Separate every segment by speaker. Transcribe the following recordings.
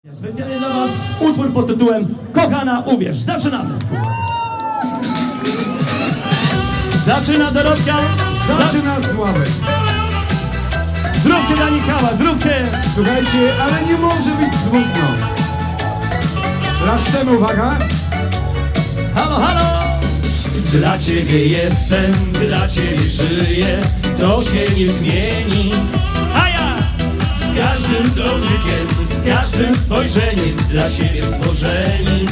Speaker 1: Specjalnie dla Was utwór pod tytułem Kochana, uwierz. Zaczynamy! Zaczyna Dorotka.
Speaker 2: Zaczyna Sławek.
Speaker 1: Zróbcie dla nich hałas, zróbcie!
Speaker 2: Słuchajcie, ale nie może być smutno. Laszczemy, uwaga.
Speaker 1: Halo, halo! Dla Ciebie jestem, dla Ciebie żyję, to się nie zmieni. A ja! Z każdym dotykiem, z każdym spojrzeniem dla siebie stworzeni.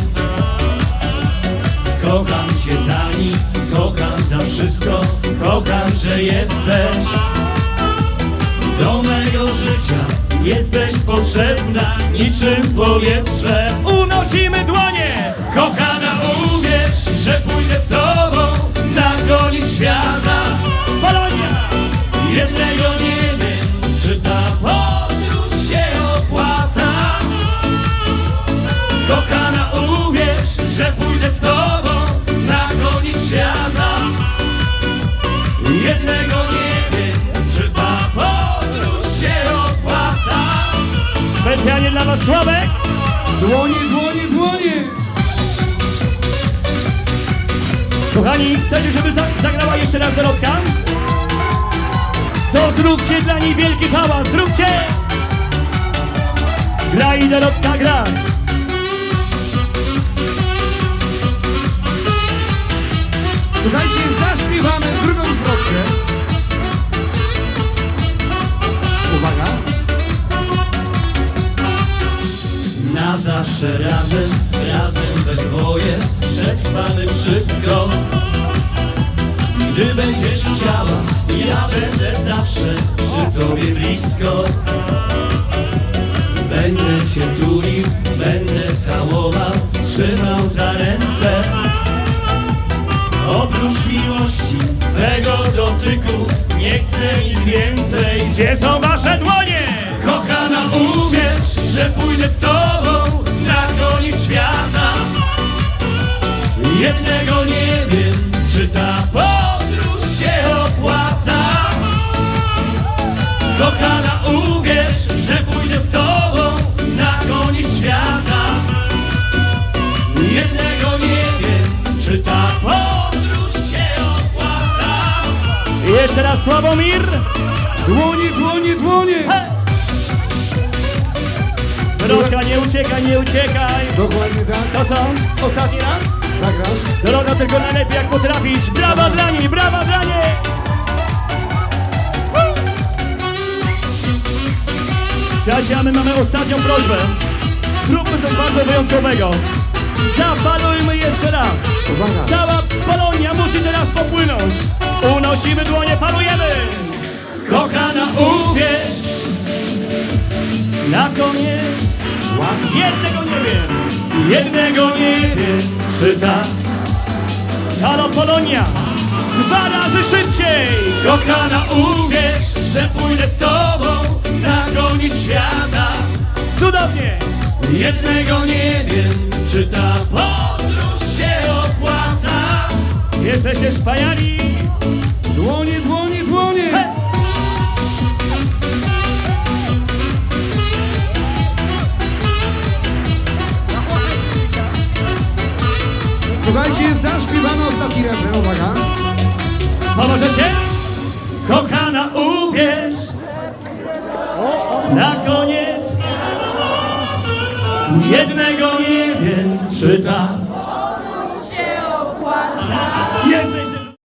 Speaker 1: Kocham Cię za nic, kocham za wszystko, kocham, że jesteś. Do mego życia jesteś potrzebna, niczym powietrze. Unosimy dłonie! Kochana, uwierz, że pójdę z Tobą na koniec świata. Polonia! Jednego nie wiem, czy ta podróż się opłaca. Kochana, uwierz, że pójdę z Tobą na koniec świata. Jednego nie wiem, czy ta podróż się opłaca. Specjalnie dla Was Sławek.
Speaker 2: Dłonie, dłonie, dłonie.
Speaker 1: Kochani, chcecie, żeby zagrała jeszcze raz Dorotka? To zróbcie dla niej wielki hałas, zróbcie! Gra i Dorotka gra.
Speaker 2: Słuchajcie, zaśpiewamy drugą zwrotkę. Uwaga.
Speaker 1: Na zawsze razem, razem we dwoje przetrwamy wszystko. Gdy będziesz chciała, ja będę zawsze przy Tobie blisko. Będę Cię tulił, będę całował, trzymał za ręce. Oprócz miłości, tego dotyku, nie chcę nic więcej. Gdzie są Wasze dłonie? Kochana, uwierz, że pójdę z Tobą na koniec świata. Jednego nie wiem, czy ta podróż się opłaca. Kochana, uwierz, że pójdę z Tobą na koniec świata. Jednego nie wiem, czy ta podróż się opłaca. I jeszcze raz Sławomir.
Speaker 2: Dłonie, dłonie, dłonie.
Speaker 1: Dorotka, nie uciekaj, nie uciekaj.
Speaker 2: Dokładnie tak.
Speaker 1: To co? Ostatni raz?
Speaker 2: Nagrasz.
Speaker 1: Dorotka, tylko najlepiej jak potrafisz. Brawa dla niej, brawa dla niej. Słuchajcie, a my mamy ostatnią prośbę. Zróbmy coś bardzo wyjątkowego. Zapalujmy jeszcze raz.
Speaker 2: Uwaga.
Speaker 1: Cała Polonia musi teraz popłynąć. Unosimy dłonie, palujemy. Kochana, uwierz. Na koniec jednego nie wiem, jednego nie wiem, czy tak. Halo Polonia, 2 razy szybciej. Kochana, uwierz, że pójdę z Tobą na koniec świata. Cudownie. Jednego nie wiem, czy ta podróż się opłaca. Jesteście wspaniali.
Speaker 2: Dłonie, dłonie, dłonie.
Speaker 1: He!
Speaker 2: Słuchajcie, zaśpiewamy ostatni refren, uwaga.
Speaker 1: Pomożecie? Kochana, uwierz. Na koniec jednego nie wiem, czy ta